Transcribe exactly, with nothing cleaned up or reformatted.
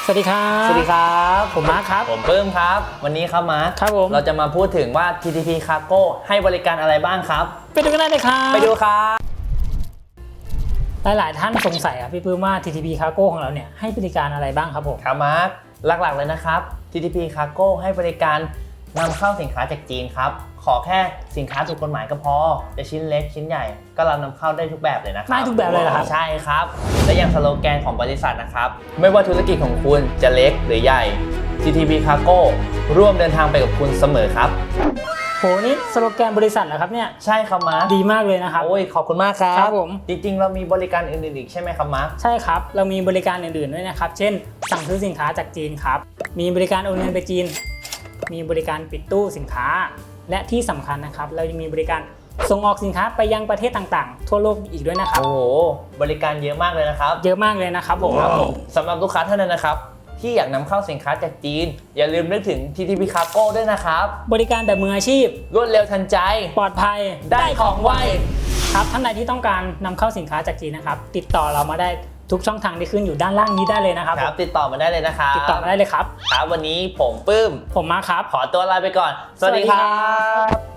สวัสดีครับสวัสดีครับผมมาร์คครับผมปื้มครับวันนี้ครับมาร์คครับผมเราจะมาพูดถึงว่า ที ที พี Cargo ให้บริการอะไรบ้างครับไปดูกันได้เลยครับไปดูครับหลายๆท่านสงสัยครับพี่ปื้มว่า ที ที พี Cargo ของเราเนี่ยให้บริการอะไรบ้างครับผมครับมาร์คหลักๆเลยนะครับ ที ที พี Cargo ให้บริการนำเข้าสินค้าจากจีนครับขอแค่สินค้าถูกกฎหมายก็พอจะชิ้นเล็กชิ้นใหญ่ก็รับนำเข้าได้ทุกแบบเลยนะครับได้ทุกแบบเลยเหรอครับใช่ครับและอย่างสโลแกนของบริษัทนะครับไม่ว่าธุรกิจของคุณจะเล็กหรือใหญ่ ที ที พี Cargo ร่วมเดินทางไปกับคุณเสมอครับโหนี่สโลแกนบริษัทเหรอครับเนี่ยใช่ครับมาร์คดีมากเลยนะครับโอ้ยขอบคุณมากครับครับผมจริงๆเรามีบริการอื่นๆอีกใช่ไหมครับมาร์คใช่ครับเรามีบริการอื่นๆด้วยนะครับเช่นสั่งซื้อสินค้าจากจีนครับมีบริการโอนเงินไปจีนมีบริการปิดตู้สินค้าและที่สำคัญนะครับเรายังมีบริการส่งออกสินค้าไปยังประเทศต่างๆทั่วโลกอีกด้วยนะครับโอ้โหบริการเยอะมากเลยนะครับเยอะมากเลยนะครับผมสำหรับลูกค้าท่านนั้นนะครับที่อยากนำเข้าสินค้าจากจีนอย่าลืมนึกถึง ที ที พี Cargo ด้วยนะครับบริการแบบมืออาชีพรวดเร็วทันใจปลอดภัยได้ของไวครับท่านใดที่ต้องการนำเข้าสินค้าจากจีนนะครับติดต่อเรามาได้ทุกช่องทางที่ขึ้นอยู่ด้านล่างนี้ได้เลยนะครับครับติดต่อมาได้เลยนะครับติดต่อมาได้เลยครับครับวันนี้ผมปื้มผมมาครับขอตัวลาไปก่อนสวัสดีครับ